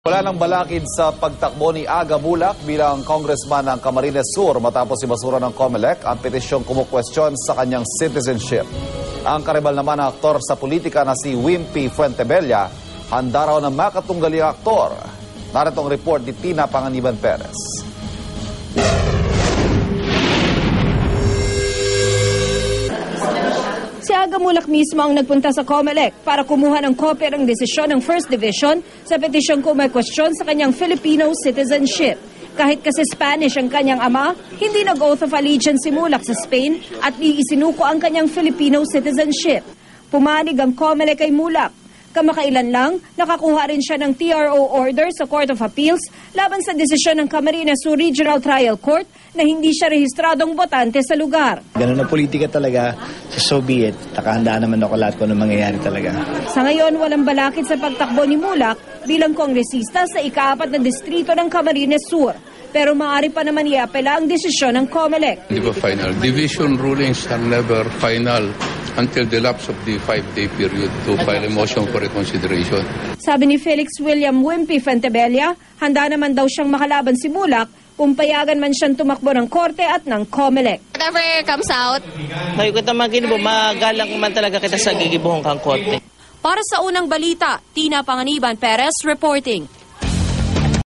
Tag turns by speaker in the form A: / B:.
A: Wala nang balakid sa pagtakbo ni Aga Mulak bilang congressman ng Camarines Sur matapos ibasura ng COMELEC ang petisyong kumukwestiyon sa kanyang citizenship. Ang karibal naman na aktor sa politika na si Wimpy Fuentebella, handa raw na makatunggali ang aktor. Narito ang report ni Tina Panganiban Perez.
B: Si Aga Mulak mismo ang nagpunta sa COMELEC para kumuha ng kopya ng desisyon ng First Division sa petisyong kumakwestiyon sa kanyang Filipino citizenship. Kahit kasi Spanish ang kanyang ama, hindi nag-oath of allegiance si Mulak sa Spain at iisinuko ang kanyang Filipino citizenship. Pumanig ang COMELEC kay Mulak. Kamakailan lang, nakakuha rin siya ng TRO order sa Court of Appeals laban sa desisyon ng Camarines Sur Regional Trial Court na hindi siya rehistradong botante sa lugar.
C: Ganun na politika talaga, so be it. Nakahandaan naman ako lahat kung ano mangyayari talaga.
B: Sa ngayon, walang balakid sa pagtakbo ni Mulak bilang kongresista sa ika-4 na distrito ng Camarines Sur. Pero maaari pa naman iapela ang desisyon ng COMELEC.
D: Di ba final? Division rulings are never final until the lapse of the 5-day period to file a motion for reconsideration.
B: Sabi ni Felix William Wimpy Fuentebella, handa naman daw siyang makalaban si Mulak kung payagan man siyang tumakbo ng korte at ng COMELEC.
E: Whatever comes out.
F: Ngayon ko naman ginibo, magalang man talaga kita sa gigibuhong kang korte.
B: Para sa unang balita, Tina Panganiban Perez reporting.